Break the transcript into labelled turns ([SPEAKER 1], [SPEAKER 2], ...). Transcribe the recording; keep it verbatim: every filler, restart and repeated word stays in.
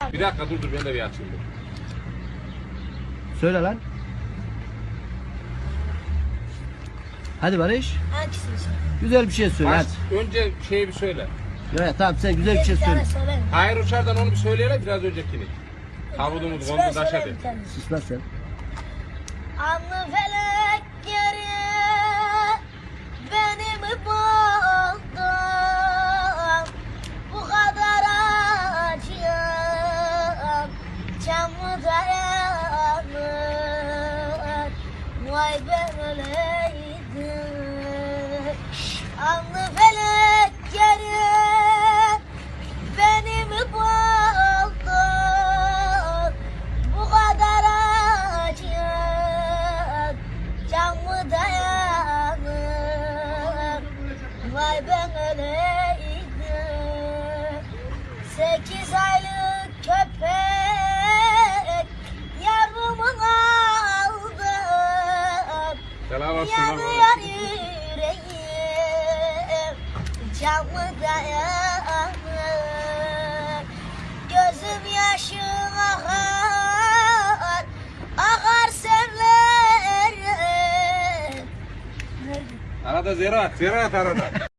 [SPEAKER 1] Bir dakika dur dur ben de bir açayım. dur.
[SPEAKER 2] Söyle lan. Hadi Barış.
[SPEAKER 3] Hangisini söyle?
[SPEAKER 2] Güzel bir şey söyle
[SPEAKER 1] Baş,
[SPEAKER 2] hadi.
[SPEAKER 1] önce şeyi bir söyle.
[SPEAKER 2] Ya, tamam sen güzel bir şey
[SPEAKER 3] Bir
[SPEAKER 2] söyle.
[SPEAKER 3] tane söyle.
[SPEAKER 1] Hayır uçardan onu bir söyleyelim biraz öncekini. Havudumuz
[SPEAKER 3] Söyle,
[SPEAKER 1] gondu taş
[SPEAKER 3] söyle
[SPEAKER 1] hadi.
[SPEAKER 3] bir tane.
[SPEAKER 2] Sus lan sen.
[SPEAKER 3] Anlı felek geri beni mi buldun? Bu kadar acıyım, can mı dayanır? Vay ben öleydim. Anlı felek geri beni mi buldun? Bu kadar acıyım, can mı dayanır? Vay ben öleydim. Sekiz aylık köpek yavrumu aldım.
[SPEAKER 1] Selam olsun lan.
[SPEAKER 3] Yanıyor yüreğim, can mı dayanır? Gözüm yaşım akar, akar sevlerim.
[SPEAKER 1] Arada ziraat, ziraat arada.